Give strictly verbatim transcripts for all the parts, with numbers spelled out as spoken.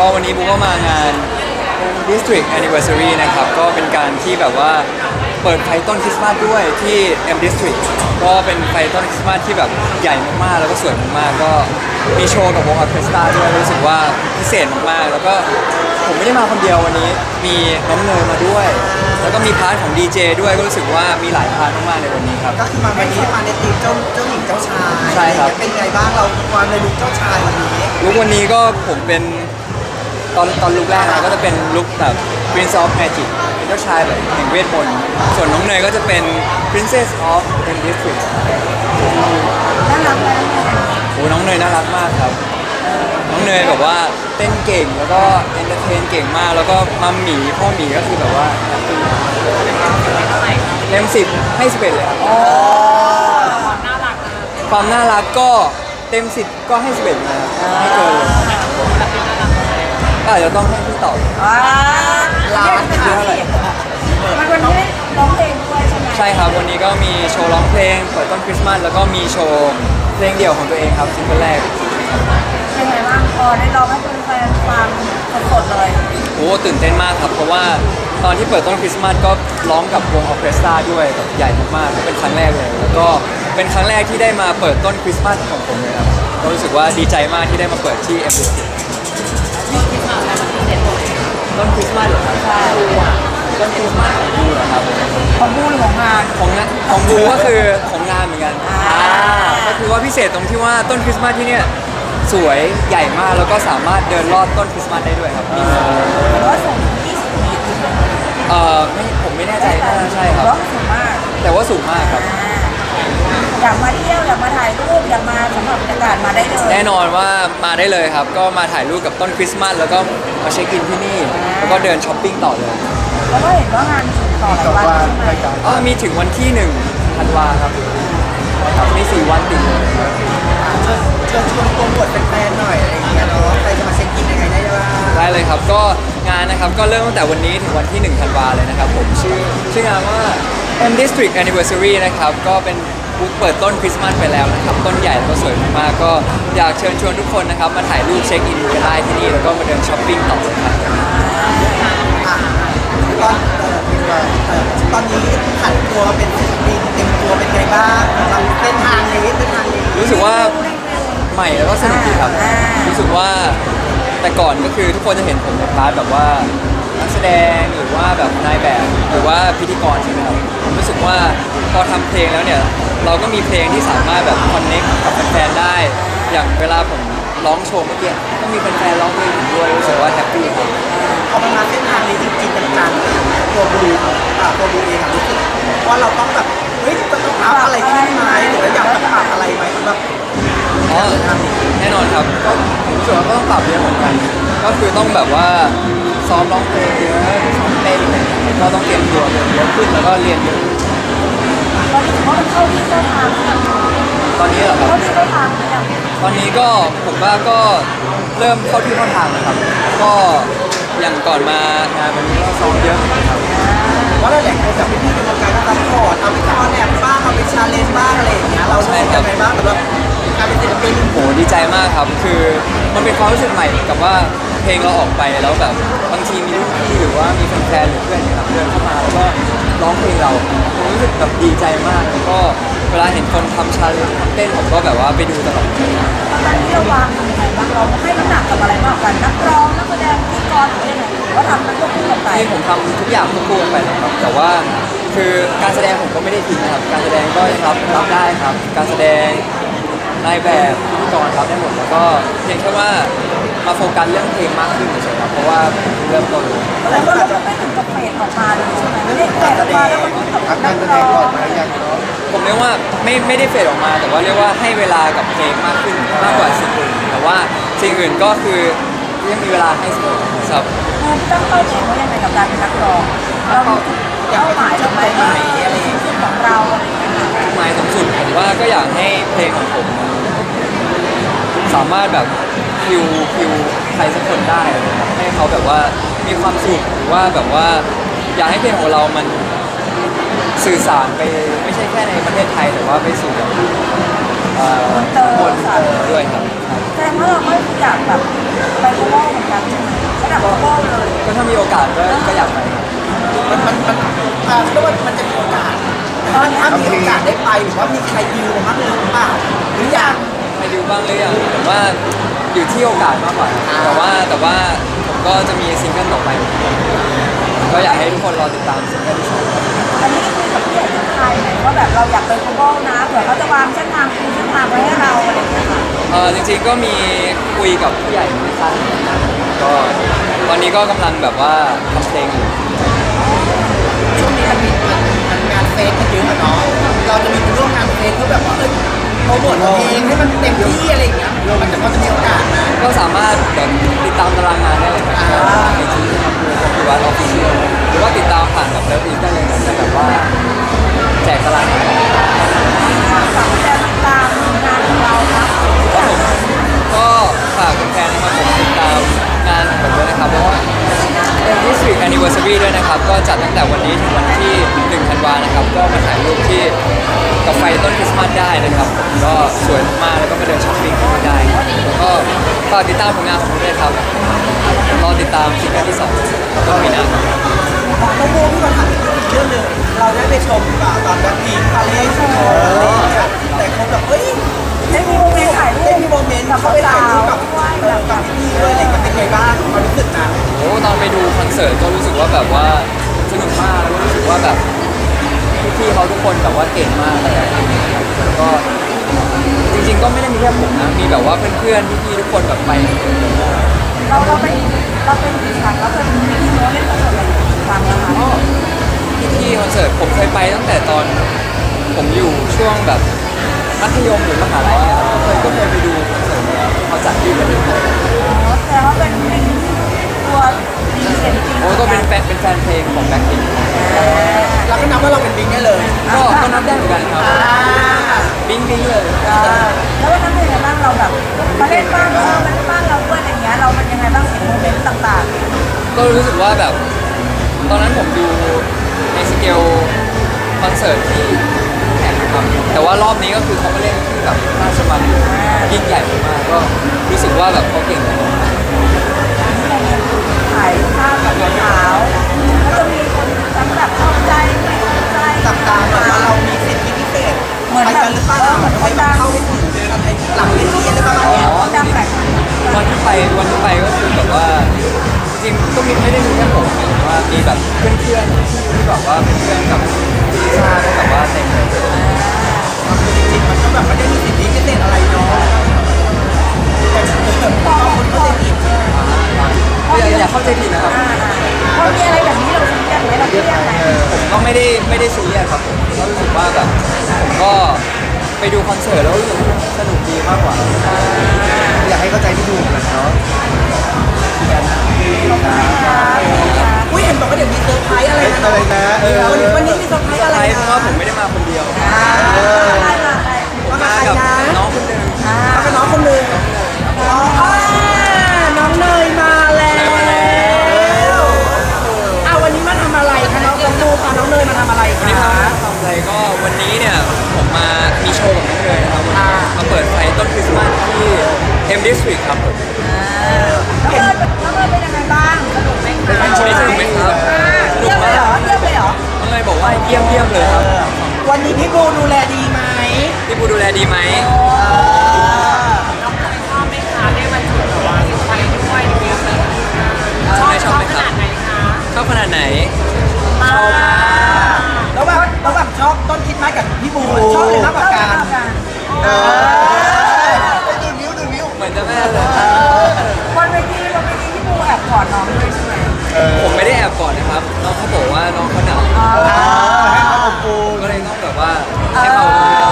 วันนี้บุ๊กก็มางาน District Anniversary นะครับก็เป็นการที่แบบว่าเปิดไฟต้นคริสต์มาสด้วยที่ M District ก็เป็นไฟต้นคริสต์มาสที่แบบใหญ่มากๆแล้วก็สวยมากๆก็มีโชว์กับวงออร์เคสตราด้วยรู้สึกว่าพิเศษมากๆแล้วก็ผมไม่ได้มาคนเดียววันนี้มีน้องเนยมาด้วยแล้วก็มีพาร์ทของดีเจด้วยก็รู้สึกว่ามีหลายพาร์ทมากๆในวันนี้ครับก็คือมาวันนี้มาในทีมเจ้าเจ้าหญิงเจ้าชายใช่ครับเป็นไงบ้างเราวางในลุคเจ้าชายวันนี้ลุควันนี้ก็ผมเป็นตอนตอนลุคแรกนะก็จะเป็นลุคแบบ Prince of Magic เป็นเจ้าชายแบบแห่งเวทมนต์ส่วนน้องเนยก็จะเป็น Princess of M District น่ารักไหมโอ้น้องเนยน่ารักมากครับน้องเนยแบบว่าเต้นเก่งแล้วก็เอนเตอร์เทนเก่งมากแล้วก็มัมหมีพ่อหมีก็คือแบบว่าเต็มสิบให้สิบเอ็ดเลยครับความน่ารักก็เต็มสิบก็ให้สิบเอ็ดนะครับไม่เกินเลยก็อาจจะต้องให้พี่ตอบว้าร้านค่ะเท่าไหร่มันวันนี้ได้ร้องเพลงด้วยใช่ไหมใช่ครับวันนี้ก็มีโชว์ร้องเพลงเปิดต้นคริสต์มาสแล้วก็มีโชว์เพลงเดี่ยวของตัวเองครับซิงเกิลแรกเป็นไงบ้างพอได้ร้องให้แฟนๆฟังสดๆเลยโอ้ตื่นเต้นมากครับเพราะว่าตอนที่เปิดต้นคริสต์มาสก็ร้องกับวงออร์เคสตราด้วยแบบใหญ่มากๆเป็นครั้งแรกเลยแล้วก็เป็นครั้งแรกที่ได้มาเปิดต้นคริสต์มาสของผมเลยครับก็รู้สึกว่าดีใจมากที่ได้มาเปิดที่ เอ็ม บี ซี ต้นคริสต์มาสเหรอครับใช่ต้นคริสต์มาสของบูเหรอครับของบูหรือของงานของงานของบูก็คือของงานเหมือนกันอ่าก็คือว่าพิเศษตรงที่ว่าต้นคริสต์มาสที่เนี่ยสวยใหญ่มากแล้วก็สามารถเดินลอดต้นคริสต์มาสได้ด้วยครับนี่หรือว่าส่งยี่สิบปีเอ่อไม่ผมไม่แน่ใจน่าจะใช่ครับร้องสูงมากแต่ว่าสูงมากครับอยากมาเที่ยวอยากมาถ่ายรูปอยากมาสัมผัสบรรยากาศมาได้เลยแน่นอนว่ามาได้เลยครับ ก็มาถ่ายรูปกับต้นคริสต์มาสแล้วก็มาเช็คอินที่นี่ แล้วก็เดินช้อปปิ้งต่อเลยแล้วก็เห็นว่างานมีต่อหลายวันใช่ไหมอ๋อมีถึงวันที่หนึ่งธันวาครับครับมีสี่วันติดเลยเชิญเชิญชวนโปรโมทแฟนๆหน่อยอะไรอย่างเงี้ยเนาะใครจะมาเช็คอินยังไงได้บ้างได้เลยครับก็งานนะครับก็เริ่มตั้งแต่วันนี้ถึงวันที่หนึ่งธันวาเลยนะครับผมชื่อชื่องานว่า M District Anniversary นะครับก็เป็นบูธเปิดต้นคริสต์มาสไปแล้วนะครับต้นใหญ่แล้วก็สวยมากๆก็อยากเชิญชวนทุกคนนะครับมาถ่ายรูปเช็คอินกันได้ที่นี่แล้วก็มาเดินช้อปปิ้งต่อเลยครับอ่ะตอนเอ่อเอ่อตอนนี้ผันตัวเป็นศิลปินเต็มตัวเป็นไงบ้างสำหรับเส้นทางนี้เส้นทางนี้รู้สึกว่าใหม่แล้วก็สนุกดีครับรู้สึกว่าแต่ก่อนก็คือทุกคนจะเห็นผมในพาร์ทแบบว่านักแสดงหรือว่าแบบนายแบบหรือว่าพิธีกรใช่ไหมครับผมรู้สึกว่าพอทำเพลงแล้วเนี่ยเราก็มีเพลงที่สามารถแบบคอนเน็กกับแฟนๆได้ อย่างเวลาผมร้องโชว์เมื่อกี้ก็มีแฟนๆร้องเพลงผมด้วยรู้สึกว่าแฮปปี้ครับพอมันมาเส้นทางนี้จริงๆจังๆตัวบูอ่ะตัวบูเองอะรู้สึกว่าเราต้องแบบเฮ้ยจะต้องอัพอะไรขึ้นไหมหรือว่าอยากจะปรับอะไรไหมสำหรับอ๋อแน่นอนครับก็ผมรู้สึกว่าก็ต้องปรับเยอะเหมือนกัน ก็คือต้องแบบว่าซ้อมร้องเพลงเยอะหรือซ้อมเต้นอะไรอย่างเงี้ยก็ต้องเตรียมตัวเยอะขึ้นแล้วก็เรียนเยอะขึ้นตอนนี้ถือว่ามันเข้าที่เข้าทางหรือยังตอนนี้เหรอครับเข้าที่เข้าทางหรือยังตอนนี้ก็ผมว่าก็เริ่มเข้าที่เข้าทางนะครับ ก็อย่างก่อนมางานวันนี้ก็ซ้อมเยอะเหมือนกันครับว่าเราอยากให้แบบพี่ๆในวงการก็ซัพพอร์ตเอาไปคอนแอบบ้างเอาไปชาเลนจ์บ้างอะไรอย่างเงี้ยเรารู้สึกยังไงบ้างสำหรับการเป็นศิลปินโหดีใจมากครับ คือมันเป็นความรู้สึกใหม่กับว่าเพลงเราออกไปแล้วแบบบางทีมีรุ่นพี่หรือว่ามีแฟนๆหรือเพื่อนเนี่ยครับเดินเข้ามาแล้วก็ร้องเพลงเราผมรู้สึกแบบดีใจมากแล้วก็เวลาเห็นคนทำชาเลนจ์ทำเต้นผมก็แบบว่าไปดูตลอดตอนนี้เราวางยังไงบ้างเราให้น้ำหนักกับอะไรมากกว่านักร้องนักแสดงพิธีกรหรือยังไงหรือว่าทำมันควบคู่กันไปที่ผมทำทุกอย่างควบคู่กันไปนะครับแต่ว่าคือการแสดงผมก็ไม่ได้ทิ้งนะครับ การแสดงก็รับรับได้ครับ การแสดงนายแบบพิธีกรรับได้หมดแล้วก็เพียงแค่ว่ามาโฟกัสเรื่องเพลงมากขึ้นเฉยๆครับเพราะว่าเริ่มต้นเลยแล้วก็เราไม่ถึงกับเฟดออกมาเลยใช่ไหมไม่ได้เฟดออกมาแล้วมันต้องกับนักร้องผมเรียกว่าไม่ไม่ได้เฟดออกมา แต่ว่าเรียกว่าให้เวลากับเพลงมากขึ้นมากกว่าสิ่งอื่นแต่ว่าสิ่งอื่นก็คือยังมีเวลาให้เสมอครับคือตั้งเป้าเองว่ายังไงกับการเป็นนักร้องเราเป้าหมายเราไปไหนอะไรของเราอะไรอย่างเงี้ยหมายสูงสุดผมว่าก็อยากให้เพลงของผม สามารถแบบคิวคิวใครสักคนได้นะครับให้เขาแบบว่ามีความสุขหรือว่าแบบว่าอยากให้เพลงของเรามันสื่อสารไปไม่ใช่แค่ในประเทศไทยแต่ว่าไปสู่แบบเอ่อคนเตอร์ด้วยครับแสดงว่าเราไม่อยากแบบไปโลกเหมือนกันใช่ไหมแบบโก้เลยก็ถ้ามีโอกาสก็ก็อยากไปมันมันมันอ่าเรียกว่ามันจะมีโอกาสถ้าถ้ามีโอกาสได้ไปหรือว่ามีใครดิวมาบ้างหรือเปล่าหรือยังไปดูบ้างหรือยังผมว่าอยู่ที่โอกาสมากกว่าแต่ว่าแต่ว่าผมก็จะมีซิงเกิลต่อไปก็อยากให้ทุกคนรอติดตามซิงเกิลที่สองอันนี้คุยกับพี่ใหญ่ที่ไทยไหนว่าแบบเราอยากเป็นโก้นะเผื่อเขาจะวางเส้นทางคูเส้นทางไว้ให้เราอะไรอย่างเงี้ยค่ะเออจริงๆก็มีคุยกับผู้ใหญ่ในค่ายนะครับก็ตอนนี้ก็กำลังแบบว่าทำเพลงอยู่ช่วงนี้มันมีมันมันงานเฟสกันเยอะอะเนาะเราจะมีไปร่วมงานเฟสเพื่อแบบว่าเอ้ยโปรโมทตัวเองให้มันเต็มที่อะไรอย่างเงี้ยมันจะพอจะมีโอกาสนะก็สามารถแบบติดตามตารางงานได้เลยนะครับในที่ทำคือคอมพิวต์ออฟฟิเชียลหรือว่าติดตามผ่านแบบเลิฟอีกได้เลยนะจะแบบว่าแจกตารางงานฝากแฟนติดตามงานของเราครับครับผมก็ฝากแฟนๆนะครับผมติดตามงานของผมด้วยนะครับเพราะว่าเป็น District Anniversary ด้วยนะครับก็จัดตั้งแต่วันนี้ถึงวันที่หนึ่งธันวานะครับก็มาถ่ายรูปที่กับไฟต้นคริสต์มาสได้นะครับผมก็สวยมากๆแล้วก็มาเดินช้อปปิ้งกันได้แล้วก็ฝากติดตามผลงานของผมด้วยครับรอติดตามซิงเกิลที่สองก็มีหน้าครับน้องโบพี่มาถามอีกเรื่องหนึ่งเราได้ไปชมอ่าตอนแบ็คพิงค์ปาเลสโชว์แต่คนแบบเฮ้ยได้มีโมเมนต์ถ่ายรูปได้มีโมเมนต์เขาไปถ่ายรูปกับเออกับพี่ๆด้วยอะไรกันเป็นไงบ้างความรู้สึกนะโอ้ตอนไปดูคอนเสิร์ตก็รู้สึกว่าแบบว่าสนุกมากแล้วก็รู้สึกว่าแบบพี่ๆเขาทุกคนแบบว่าเก่งมากเลยแล้วก็จริงๆก็ไม่ได้มีแค่ผมนะมีแบบว่าเพื่อนๆพี่ๆทุกคนแบบไปหมดเลยเราเราเป็นเราเป็นกี่ครั้งเราเป็นมีโมเล่นคอนเสิร์ตอะไรกี่ครั้งแล้วคะก็พี่ๆคอนเสิร์ตผมเคยไปตั้งแต่ตอนผมอยู่ช่วงแบบมัธยมหรือมหาลัยเนี่ยก็เคยก็เคยไปดูคอนเสิร์ตแล้วเขาจัดที่ประเทศไทยแต่ว่าเป็นเป็นตัวดีเสียงจริงโอ้ก็เป็นแฟนเป็นแฟนเพลงของแบ็คพิงค์เราก็นับว่าเราเป็นบิงได้เลยก็ก็นับได้เหมือนกันครับอ่าบิงบิงเลยแล้ววันนั้นเป็นยังไงบ้างเราแบบมาเล่นบ้างเออมาเล่นบ้างเราด้วยอะไรเงี้ยเราเป็นยังไงบ้างเห็นโมเมนต์ต่างก็รู้สึกว่าแบบ ตอนนั้นผมดูในสเกลคอนเสิร์ตที่แข่งนะครับแต่ว่ารอบนี้ก็คือเขามาเล่นที่แบบราชมังยิ่งใหญ่มากก็รู้สึกว่าแบบเขาเก่งมากๆถ่ายภาพกับสาวแล้วจะมีคนทั้งแบบชอบใจไม่ชอบใจจับตาแบบว่าเรามีสิทธิพิเศษไปกันหรือเปล่าเหมือนให้มันเข้าให้ถึงกันไอ้หลังเวทีอะไรประมาณเนี้ยดังแบบวันที่ไปวันที่ไปก็คือแบบว่าจริงๆก็มีไม่ได้มีแค่ผมแต่ว่ามีแบบเพื่อนๆที่แบบว่าเป็นเพื่อนกับพี่ลิซ่าก็แบบว่าเต็มเลยคือจริงๆมันก็แบบไม่ได้มีสิทธิพิเศษอะไรเนาะแต่บางคนก็จะผิดอย่าอย่าเข้าใจผิดนะครับพอมีอะไรแบบนี้เราซีเรียสไหมเราเครียดไหมผมก็ไม่ได้ไม่ได้ซีเรียสครับผมก็รู้สึกว่าแบบผมก็ไปดูคอนเสิร์ตแล้วรู้สึกว่าสนุกดีมากกว่าอยากให้เข้าใจที่ถูกกันเนาะอุ้ยเห็นบอกว่าเดี๋ยวมีเซอร์ไพรส์อะไรนะอะไรนะเออวันนี้วันนี้มีเซอร์ไพรส์อะไรใช่เพนะราะว่าผมไม่ได้มาคนเดียวอะไรมาอะไรมามาใครกับนะน้องคนหนึ่งมากับน้องคนหนึ่งอ๋อน้องเนยมาแล้วอ่ะวันนี้มาทำอะไรคะน้องกระตูพาน้องเนยมาทำอะไรวันนี้คะมาทำอะไรก็วันนี้เนี่ยผมมามีโชว์กับน้องเลยนะครับวันนี้มาเปิดไฟต้นคริสต์มาสที่ M District ครับผมแล้วเอิญแล้วเอิญเป็นยังไงบ้างสนุกไหมคะสนุกไหมครับสนุเยี่ยกมเลยมากเหรอเยี่ยมเลยเหรอน้องเลยบอกว่าเยี่ยมเยี่ยมเลยครับวันนี้พี่บูดูแลดีไหมพี่ปูดูแลดีไหมน้องเคยชอบไหมคะได้มาจุดแบบว่าสุดท้ายด้วยเยอะเลยชอบไหมชอบไหมขครับนาดไหนคะชอบขนาดไหนมากระหว่างระหว่างชอบต้นคิดไม้กับพี่บูชอบเลยมากกว่ากันเออดูนิ้วดูนิ้วเหมือนจะแม่เลยบนเวทีบนเวทีที่ปูแอบกอดน้องด้วยใช่ไหมผมไม่ได้แอบก่อนนะครับ น้องเขาบอกว่าน้องเขาหนาวให้เขาอบอุ่นก็เลยต้องแบบว่าให้เขา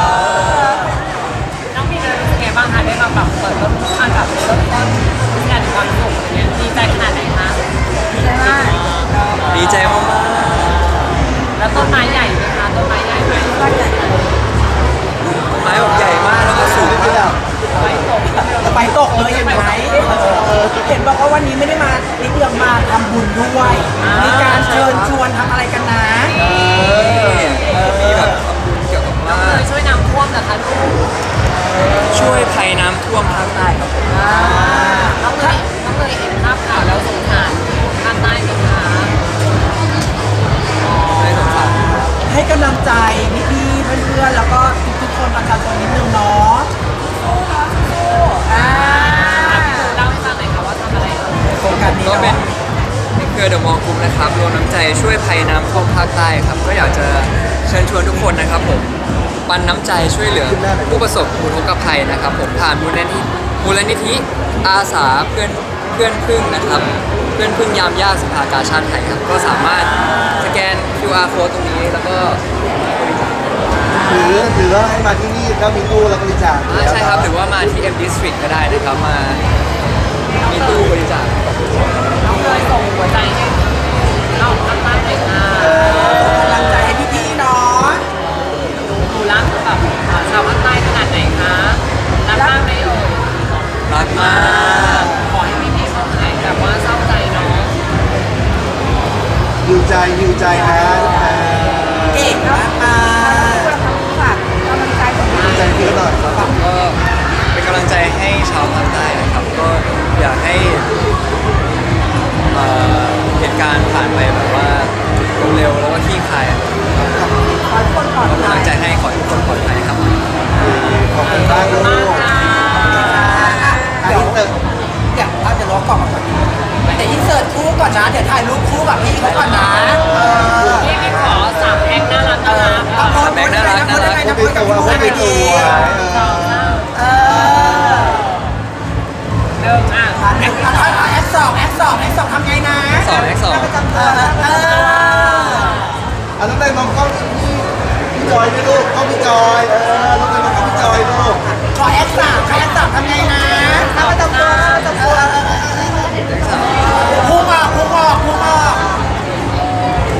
น้องมีเรื่องเป็นไงบ้างคะได้มาแบบเปิดต้นทางกับเริ่มต้นงานความสุขอย่างเงี้ยดีใจขนาดไหนคะใช่ไหมดีใจมากแล้วต้นไม้ใหญ่ไหมคะต้นไม้ใหญ่ไหมบ้านใหญ่ๆต้นไม้แบบใหญ่มากแล้วก็สูงมากไฟตกไปตกเลยเห็นไหมเห็นบอกว่าวันนี้ไม่ได้มานิดเดียวมาทำบุญด้วย มีการเชิญชวนทำอะไรกันนะมีแบบทำบุญเกี่ยวกับว่าเคยช่วยน้ำท่วมนะคะลูกช่วยภัยน้ำท่วมภาคใต้ครับผมน้องเลยน้องเลยเห็นภาพข่าวแล้วสงสารช่วยภัยน้ำท่วมภาคใต้ครับก็อยากจะเชิญชวนทุกคนนะครับผมปันน้ำใจช่วยเหลือผู้ประสบอุทกภัยนะครับผมผ่านมูลนิธิมูลนิธิอาสาเพื่อนเพื่อนพึ่งนะครับเพื่อนพึ่งยามยากสภากาชาติไทยครับก็สามารถสแกน คิว อาร์ code ตรงนี้แล้วก็บริจาคหรือหรือว่าให้มาที่นี่แล้วมีตู้แล้วก็บริจาคอ่าใช่ครับหรือว่ามาที่ M District ก็ได้นะครับมามีตู้บริจาคน้องเลยส่งหัวใจให้น้องตั้งตั้งเลยค่ะกำลังใจให้พี่ๆเนาะดูรักแบบชาวภาคใต้ขนาดไหนคะรักมากไหมเอ่ยรักมากขอให้พี่ๆเขาหายแบบว่าเศร้าใจเนาะหิวใจหิวใจนะเก่งมากมาฝากกำลังใจของหิวใจพี่ก็หน่อยครับก็เป็นกำลังใจให้ชาวภาคใต้นะครับ ก็อยากให้เอ่อเหตุการณ์ผ่านไปแบบว่าเร็วๆแล้วก็คลี่คลายครับขอให้คนปลอดก็เป็นภักำลัยงใจให้ขอให้ทุกคนปลอดภัยครับขอบคุณมากลูมากกค่ะอันนี้เติมเดี๋ยวเอาเดี๋ยวรอกล่องมาก่อนเดี๋ยวอินเสิร์ตคู่ก่อนนะ เดี๋ยวถ่ายรูปคู่กับพี่เขาก่อนนะเออพี่พี่ขอสามแพ็คน่ารักน่ารักเอาโพสต์โพสต์ยังไงนะโพสต์ยังไงนะพูโพดสต์ตักับวพี่พูเขาดยังไงตัดีวสองสามเออหนึ่งอ่ะแอคแอคสองแอคสองแอคสองทำไงนะสอง X สองเออเอออันนั้นได้มองกล้องพี่พี่จอยด้วยลูกกล้องพี่จอยเออ